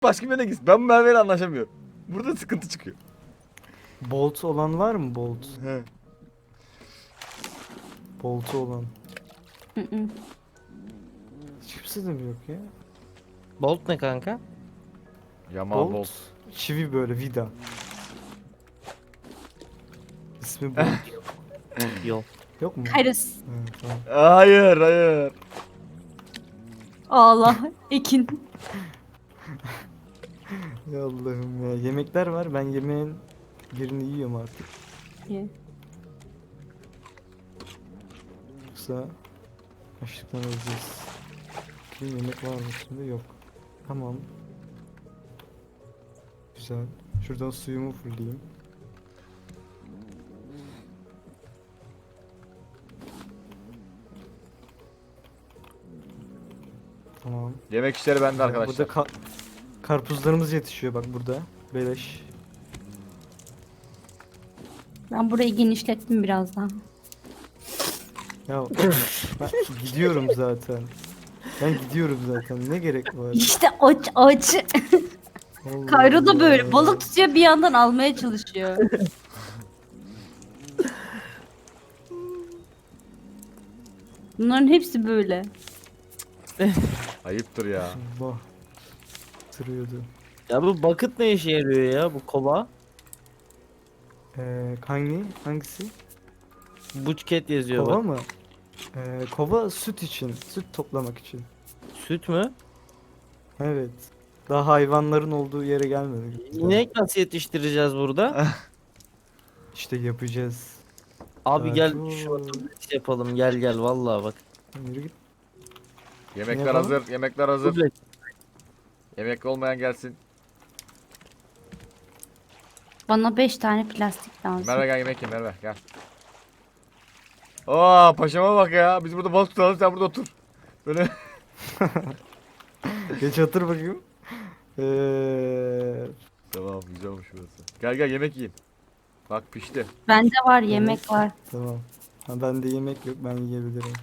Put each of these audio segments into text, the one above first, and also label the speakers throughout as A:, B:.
A: başka birine gitsin. Ben bu Merve'yle anlaşamıyorum. Burada sıkıntı çıkıyor.
B: Bolt olan var mı bolt?
A: He.
B: Boltu olan.
C: Hı hı.
B: Hiç kimse de mi yok ya?
D: Bolt ne kanka?
A: Yamal Bolt.
B: Çivi böyle vida. İsmi Bolt.
D: Yok.
B: Yok mu?
C: Kairos.
B: Evet, tamam.
A: Hayır hayır.
C: Allah. Ekin.
B: Ya Allah'ım ya. Yemekler var. Ben yemeğin birini yiyorum artık.
C: Ye.
B: Yoksa açlıktan öleceğiz. Bakayım yemek var mı şimdi? Yok. Tamam. Güzel. Şuradan suyumu fullleyeyim. Tamam.
A: Yemek işleri bende arkadaşlar.
B: Burada karpuzlarımız yetişiyor bak burada. Beleş.
C: Ben burayı genişlettim biraz daha.
B: Ya ben gidiyorum zaten. Ben gidiyorum zaten. Ne gerek var?
C: İşte aç.
B: Allah
C: Kayro da böyle
B: Allah.
C: balık tutuyor, bir yandan almaya çalışıyor. Bunların hepsi böyle.
A: Ayıptır ya.
B: Allah. Sırıyordu.
D: Ya bu bucket ne işe yarıyor ya bu kova?
B: Hangisi?
D: Bucket yazıyor
B: Kova
D: bak.
B: mı? Kova süt için. Süt toplamak için.
D: Süt mü?
B: Evet. Daha hayvanların olduğu yere gelmedik.
D: İnek nasıl yetiştireceğiz burada?
B: İşte yapacağız.
D: Abi gel
B: Ertuğrul.
D: şu otobüs yapalım gel gel vallahi bak.
B: Yürü git.
A: Yemekler
B: yapalım?
A: hazır. Yemekler hazır.
D: Duble.
A: Yemek olmayan gelsin.
C: Bana 5 tane plastik lazım.
A: Merve gel yemek ye Merve gel. Aa paşama bak ya. Biz burada balık tutalım sen burada otur. Böyle.
B: Geç otur bakayım.
A: Tamam güzel olmuş burası. Gel gel yemek yiyin. Bak pişti.
C: Bende var, yemek var.
B: Tamam. Ha, bende yemek yok, ben yiyebilirim.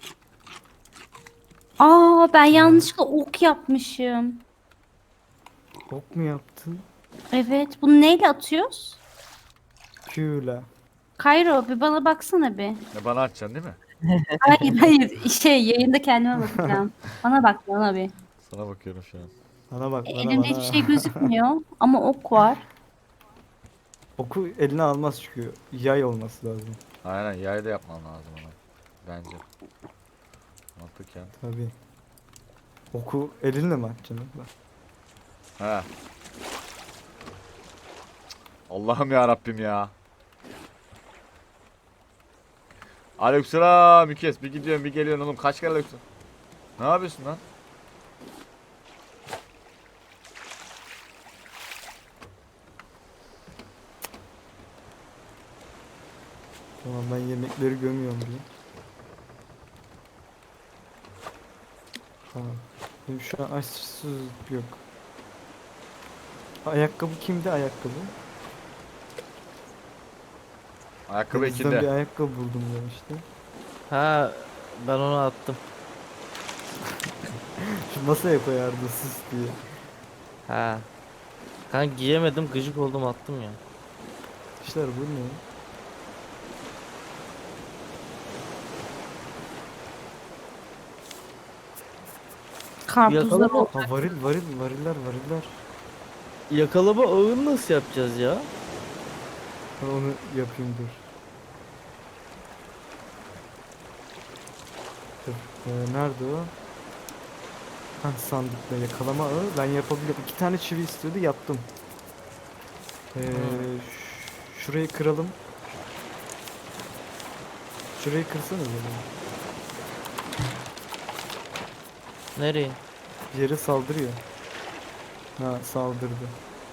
C: Aa, ben yanlışlıkla ok yapmışım.
B: Ok mu yaptın?
C: Evet, bunu neyle atıyoruz?
B: Q'la.
C: Kayro, bir bana baksana bir.
A: Ne bana açacaksın değil mi?
C: Hayır, yayında kendime bakacağım. Bana bak, bana bir.
A: Sana bakıyorum şu an.
B: Bana bak, bana
C: Elimde
B: bana.
C: hiçbir şey gözükmüyor ama ok var.
B: Oku eline almaz çünkü yay olması lazım.
A: Aynen yayda yapman lazım ona. Bence. Mantıken.
B: Tabii. Oku elinle mi atacaksın?
A: He. Allah'ım ya Rabbim ya. Aleykümselam Mükes. Bir gidiyorsun bir geliyorsun oğlum. Kaç kere aleykümselam. Ne yapıyorsun lan?
B: Tamam, ben yemekleri gömüyorum buraya. Tamam. Benim şu an açsız yok. Ayakkabı kimde ayakkabı?
A: Ayakkabı
B: Denizden bir
A: içinde.
B: ayakkabı buldum ben işte.
D: Ha ben onu attım.
B: Şu masaya koyardı sus diye.
D: Ha. Kanka giyemedim gıcık oldum attım ya.
B: İşler bu ne?
C: Karpuzlar
D: Yakalama.
C: oldu.
B: Ha, variller.
D: Yakalama ağını nasıl yapacağız ya?
B: Ben onu yapayım dur. Dur. Nerede o? Ha, sandıkta yakalama ağı. Ben yapabiliyorum. 2 tane çivi istiyordu, yaptım. Şurayı kıralım. Şurayı kırsana böyle.
D: Nereye?
B: Bir yere saldırıyor. Ha, saldırdı.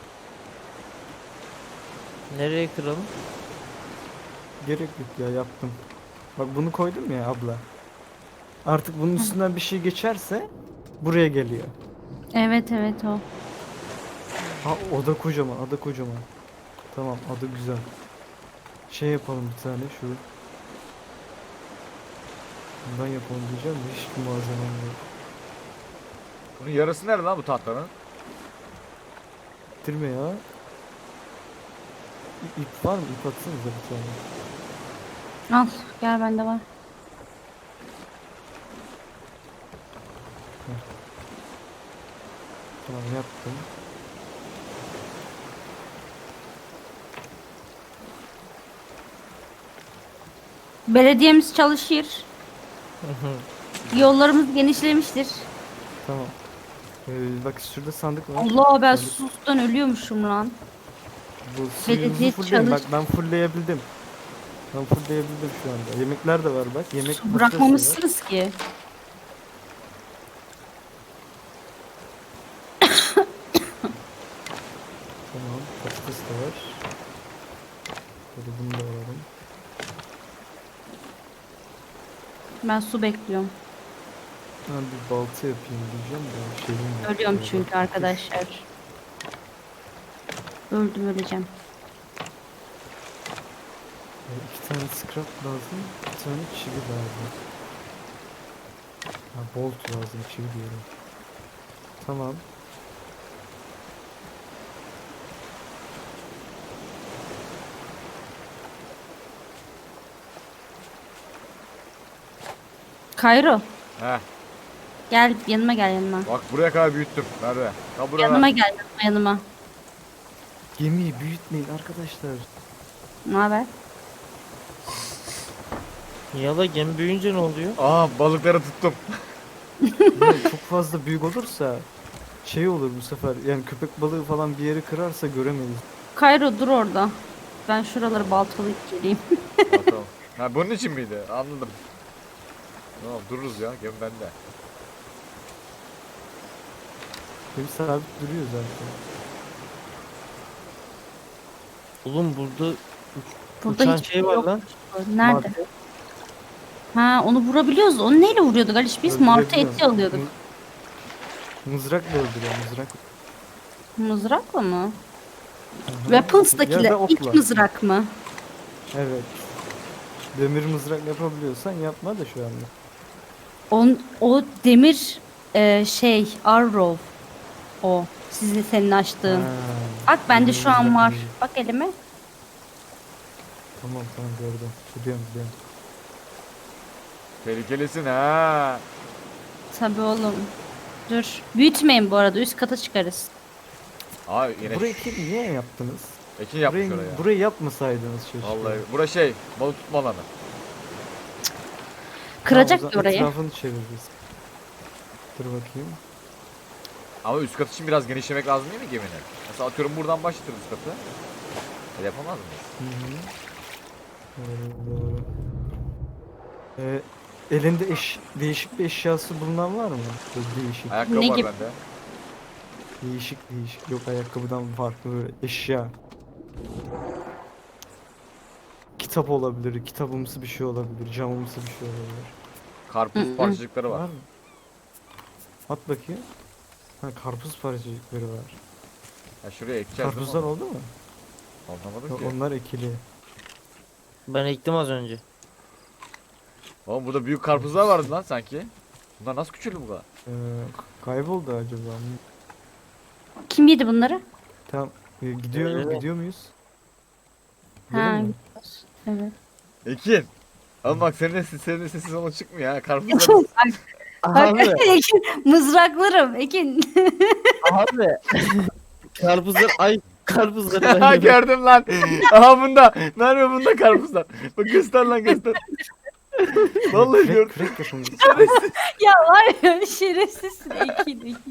D: Nereye kıralım?
B: Gerek yok ya, yaptım. Bak bunu koydum ya abla. Artık bunun üstünden bir şey geçerse buraya geliyor.
C: Evet o.
B: Ha, oda kocaman, ada kocaman. Tamam, ada güzel. Şey yapalım bir tane şu. Bundan yapalım diyeceğim de hiçbir malzemem yok.
A: Bunun yarısı nerede lan bu tahtanın?
B: ittirme ya. İp var mı? İp atsanıza bir tane.
C: Al gel bende var.
B: Tamam yaptım.
C: Belediyemiz çalışır. Yollarımız genişlemiştir.
B: Tamam. Bak şurada sandık var.
C: Allah ben
B: Sandık.
C: susuzluktan ölüyormuşum lan.
B: Bu
C: Belediye
B: suyunuzu fullleyin. Bak
C: çalış-
B: ben fullleyebildim. Ben fullleyebildim şu anda. Yemekler de var bak. Yemek
C: Su
B: makinesi var.
C: bırakmamışsınız ki.
B: Tamam. Patates de var. Böyle bunu da alalım.
C: Ben su bekliyorum.
B: Ben bir balta yapayım diyeceğim de şeyim yok.
C: Ölüyorum
B: Böyle
C: çünkü
B: bak.
C: arkadaşlar. Öldüm öleceğim.
B: 2 tane scrap lazım. Bir tane çivi lazım. Ha, bolt lazım. Çivi diyorum. Tamam.
C: Kayro
A: Heh.
C: gel yanıma gel yanıma.
A: Bak buraya kadar büyüttüm. Nerede? Ha burada.
C: Yanıma gel yanıma.
B: Gemiyi büyütmeyin arkadaşlar.
C: Ne haber?
D: Yala gemi büyüyünce ne oluyor?
A: Aa balıkları tuttum.
B: Böyle çok fazla büyük olursa şey olur bu sefer. Yani köpek balığı falan bir yeri kırarsa göremeyiz.
C: Kayro dur orada. Ben şuraları baltalayıp geleyim.
A: Ha, tamam. Ha bunun için miydi? Anladım. Tamam dururuz ya. Gemi bende.
B: Gemi sabit duruyor zaten.
D: Oğlum burada
C: Burada
D: uçan
C: hiçbir
D: şey var
C: yok.
D: lan.
C: Nerede?
B: Martı
C: Ha onu vurabiliyoruz. Onu neyle vuruyorduk Aliş? Biz martı
B: öldürebiliyorum.
C: eti alıyorduk.
B: Mızrakla öldürüyor mızrak.
C: Mızrakla mı?
B: Hı hı.
C: Weapons'dakiler
B: Ya da
C: ilk
B: okla.
C: mızrak mı?
B: Evet. Demir mızrak yapabiliyorsan yapma da şu anda.
C: O demir şey arrow. O. Senin açtığın.
B: Ha,
C: Bak bende
B: demir
C: şu an
B: mızrak
C: var.
B: değil.
C: Bak elime.
B: Tamam tamam gördüm. Biliyorum biliyorum.
A: Tehlikelisin ha.
C: Tabii oğlum. Dur. Büyütmeyin bu arada. Üst kata çıkarız.
A: Aa yine
B: Burayı niye yaptınız?
A: Ekin yapmış
B: Burayı,
A: oraya.
B: burayı yapmasaydınız keşke.
A: Vallahi bura şey balık tutma alanı.
C: Kıracak
B: Tamam, o
C: ki
B: zaman
C: orayı.
B: Etrafını çeviririz. Dur bakayım.
A: Ama üst kat için biraz genişlemek lazım değil mi geminin? Mesela atıyorum buradan başlatırız üst katı. Yapamaz mıyız?
B: Hı hı. Doğru, doğru. Elinde değişik bir eşyası bulunan var mı? Böyle değişik.
A: Ayakkabı
C: Ne
A: var
C: gibi?
A: bende.
B: Değişik. Yok ayakkabıdan farklı böyle eşya. Kitap olabilir, kitabımsı bir şey olabilir, camımsı bir şey olabilir.
A: Karpuz
C: Hı hı.
A: parçacıkları var.
B: Var mı? At bakayım. Ha karpuz parçacıkları var.
A: Ha şuraya ekeceğiz
B: Karpuzlar
A: değil mi?
B: oldu mu?
A: Anlamadım
B: Yok,
A: ki.
B: onlar ekili.
D: Ben ektim az önce.
A: Oğlum burada büyük karpuzlar vardı lan sanki. Bunlar nasıl küçüldü bu kadar?
B: Kayboldu acaba?
C: Kim yedi bunları?
B: Tamam. Gidiyor
D: Öyle.
B: gidiyor muyuz?
C: Ha,
B: Gidelim mi?
C: evet.
A: Ekin. Oğlum bak senin sesin ona çıkmıyor ha. Karpuzlar.
D: Abi,
C: Ekin, mızraklarım Ekin.
D: abi. Karpuzlar, ay karpuzları ben
A: Ha
D: yemedim.
A: gördüm lan. Aha bunda. Merve bunda karpuzlar. Bak göster lan göster. Vallahi gördüm.
B: Kürek yapın.
C: Ya var ya şerefsizsin Ekin.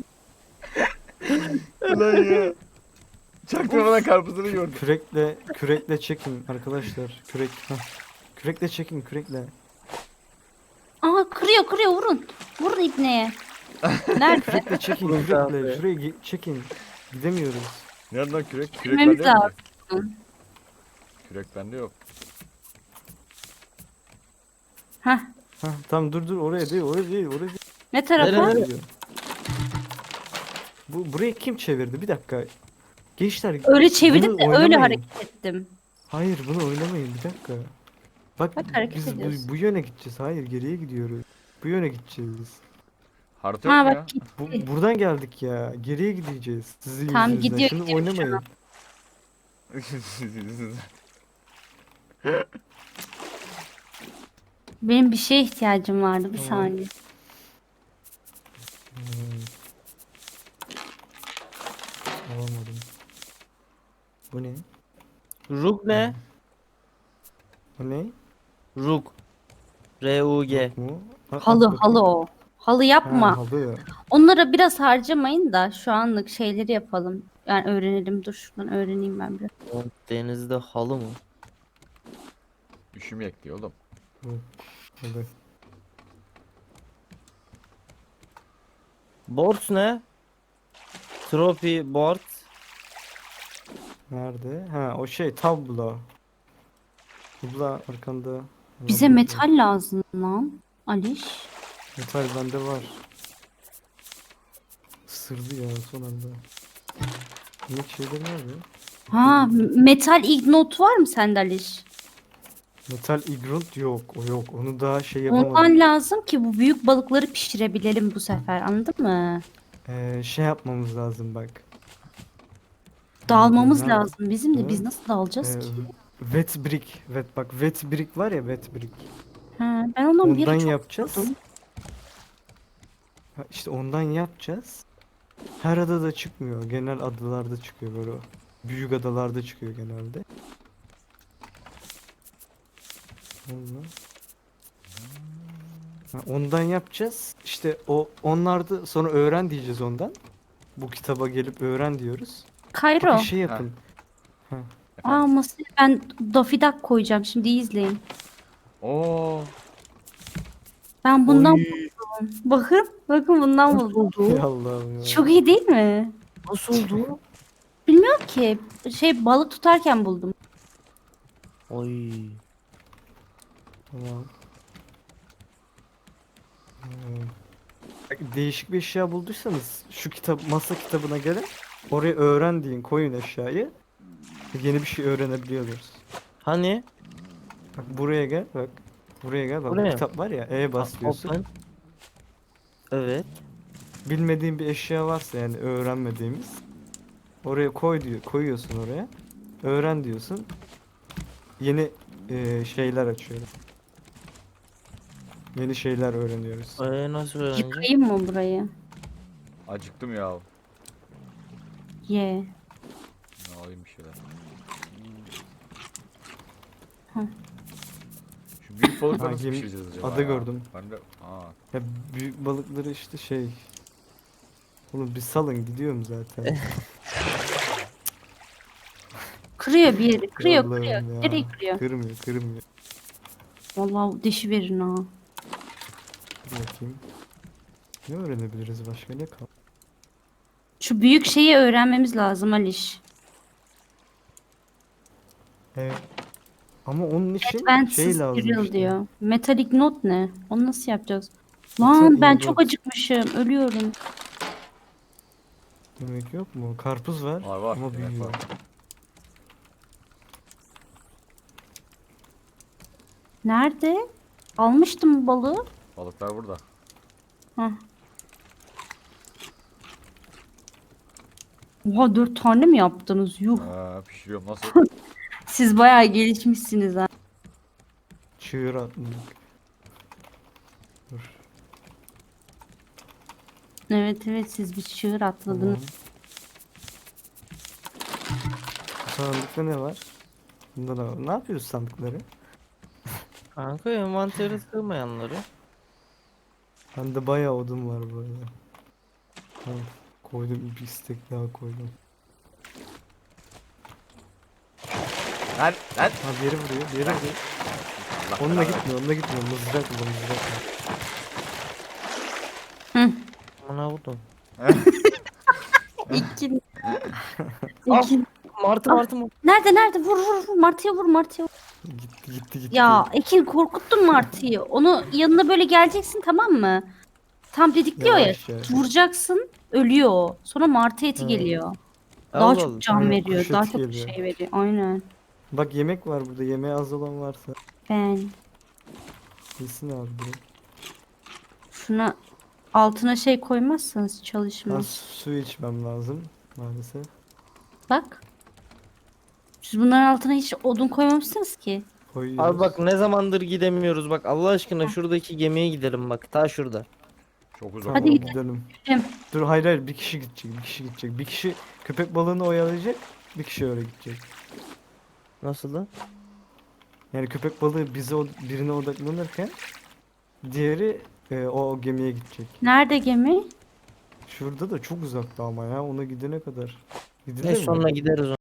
A: Lan ya. Çaktırmadan karpuzları gördüm.
B: Kürekle çekin arkadaşlar. Kürekle çekin kürekle.
C: Aa kırıyor vurun. Vurun ibneye. Nerede?
B: Kürekle çekin
D: Vurun
B: kürekle.
D: abi.
B: Şuraya çekin. Gidemiyoruz.
A: Nereden lan kürek? Kürek
C: Sürmemiz
A: bende yok ki.
C: lazım.
A: Kürek bende yok.
C: Hah.
B: Hah tamam dur oraya değil.
C: Ne tarafa?
D: Nereye?
B: Gidiyor. Burayı kim çevirdi? Bir dakika. Gençler
C: Öyle çevirdim
B: bunu
C: de öyle
B: oynamayın.
C: hareket ettim.
B: Hayır bunu oynamayın bir dakika. Bak
C: Bak, hareket
B: biz
C: ediyorsun.
B: bu yöne gideceğiz. Hayır geriye gidiyoruz. Bu yöne gideceğiz.
A: Harita yok
C: Ha
A: mu
C: bak
A: ya?
C: gitti.
B: Buradan geldik ya. Geriye gideceğiz. Sizin
C: Tamam,
B: yüzünüzden.
C: gidiyor,
B: Şimdi
C: gidiyor şu
B: oynamayın.
C: an. Benim bir şeye ihtiyacım vardı. Bir
B: Tamam.
C: saniye.
B: Hmm. Alamadım. Bu ne?
D: Rug ne?
B: Bu ne?
D: Rug. R-U-G.
B: Yok mu?
C: Halı halı o. Halı yapma.
B: Ha, halı.
C: Onlara biraz harcamayın da şu anlık şeyleri yapalım. Yani öğrenelim. Dur şuradan öğreneyim ben biraz.
D: O denizde halı mı?
A: Üşümeyek diyor oğlum.
B: Halı.
D: Board ne? Trophy board.
B: Nerede? Ha, o şey tablo. Tablo arkanda.
C: Bize
B: Tablo.
C: metal lazım lan. Aliş.
B: Metal bende var. Isırdı ya son anda. Ne şeyler nerede?
C: Ha, metal ignot var mı sende Aliş?
B: Metal igrunt yok. O yok. Onu daha şey yapamadım.
C: Ondan lazım ki bu büyük balıkları pişirebilelim bu sefer. Anladın mı?
B: Şey yapmamız lazım bak.
C: Dağılmamız
B: Nerede?
C: lazım bizim de. Biz
B: Evet.
C: nasıl dağılacağız
B: Ee,
C: ki?
B: wet brick. Bak wet brick var ya wet brick.
C: Ha, ben ondan bir
B: Ondan
C: ara çok
B: yapacağız.
C: istiyordum.
B: Ha, işte ondan yapacağız. Her adada çıkmıyor. Genel adalarda çıkıyor böyle. Büyük adalarda çıkıyor genelde. Ondan. Ha, ondan yapacağız. İşte onlarda sonra öğren diyeceğiz ondan. Bu kitaba gelip öğren diyoruz.
C: Kayro.
B: Bir şey yapın.
C: Aa, masaya ben Daffy Duck koyacağım. Şimdi iyi izleyin.
A: Oo.
C: Ben bundan
D: Oy.
C: buldum. Bakın. Bakın bundan buldum.
B: Ey Allah'ım ya.
C: Çok iyi değil mi?
D: Nasıl oldu?
C: Bilmiyorum ki. Şey balık tutarken buldum.
D: Oy.
B: Tamam. Değişik bir eşya bulduysanız şu masa kitabına gelin. Oraya öğren deyin, koyun eşyayı. Yeni bir şey öğrenebiliyoruz.
D: Hani?
B: Bak buraya gel, bak. Buraya gel, bak. Bu
D: Buraya.
B: kitap var ya, bas diyorsun.
D: Open. Evet.
B: Bilmediğin bir eşya varsa yani öğrenmediğimiz. Oraya koy diyor, koyuyorsun oraya. Öğren diyorsun. Yeni şeyler açıyoruz. Yeni şeyler öğreniyoruz.
D: Nasıl öğreneceğim?
C: Yıkayayım mı burayı?
A: Acıktım ya.
C: Ye.
A: Ne alayım bir şeyler.
C: Hı.
A: Şu büyük balıkları
B: Ha,
A: nasıl
B: gemi-
A: pişireceğiz acaba
B: ada
A: ya?
B: gördüm.
A: Ben de... Aa.
B: Ya büyük balıkları işte şey. Oğlum bir salın gidiyorum zaten.
C: Kırıyor bir yeri. Kırıyor
B: Allah'ım
C: kırıyor.
B: ya.
C: Nereye kırıyor?
B: Kırmıyor, kırmıyor.
C: Vallahi dişi verin ha.
B: Dur bakayım. Ne öğrenebiliriz başka ne kal?
C: Şu büyük şeyi öğrenmemiz lazım Aliş.
B: Evet. Ama onun için
C: Advanced
B: şey lazım
C: Serial
B: işte.
C: diyor. Metallic Note ne? Onu nasıl yapacağız?
B: Metal
C: Lan ben
B: Ingot.
C: çok acıkmışım. Ölüyorum.
B: Yemek yok mu? Karpuz var,
A: Var,
B: ama
A: yemek
B: büyüyor.
A: var.
C: Nerede? Almıştım balığı.
A: Balıklar burada.
C: Hah. Oha 4 tane mi yaptınız? Yuh.
A: Pişiriyorum nasıl?
C: Siz bayağı gelişmişsiniz ha.
B: Çığır atmadık. Dur.
C: Evet evet siz bir çığır atladınız.
B: Tamam. Bu sandıkta ne var? Bunda da var. Ne yapıyoruz sandıkları?
D: Kanka envanteri sığmayanları.
B: Bende bayağı odun var bu arada. Tamam. Koydum, bir istek daha koydum.
A: Lan lan.
B: Ha, bir yere vuruyor, bir yere vuruyor.
A: Allah
B: Onunla
A: belanı
B: gitmiyor, onunla gitmiyor. Mızrak bu, mızrak bu.
C: Hı.
D: Bana vurdum.
C: İki.
D: Ah!
C: İki.
D: Martı martı mı?
C: Nerede? Vur. Martıya vur Martıya vur.
B: Gitti.
C: Ya Ekin korkuttun Martı'yı. Onu yanına böyle geleceksin tamam mı? Tam didikliyor ya.
B: Yavaş ya.
C: Vuracaksın ölüyor o. Sonra Martı eti
B: Ha.
C: geliyor. Daha
D: Allah
C: çok
D: Allah.
C: can
B: Aynen,
C: veriyor.
B: kuş
C: Daha
B: eti
C: çok
B: geliyor.
C: şey veriyor. Aynen.
B: Bak yemek var burada, yemeğe az olan varsa.
C: Ben
B: Yesin abi direkt.
C: şuna Altına şey koymazsanız
B: Ben
C: çalışmaz.
B: su içmem lazım maalesef.
C: Bak. Siz bunların altına hiç odun koymamışsınız ki.
B: Koyuyoruz.
D: Abi bak ne zamandır gidemiyoruz bak Allah aşkına şuradaki gemiye gidelim bak ta şurada.
A: Çok uzak.
B: Tamam,
C: Hadi gidelim.
B: gidelim.
C: Gidelim.
B: Dur hayır bir kişi gidecek, bir kişi gidecek. Bir kişi köpek balığını oyalayacak, bir kişi öyle gidecek.
D: Nasıl lan?
B: Yani köpek balığı birine odaklanırken diğeri o gemiye gidecek.
C: Nerede gemi?
B: Şurada da çok uzakta ama ya ona gidene kadar. Gidilir
D: Ne
B: mi?
D: sonra gideriz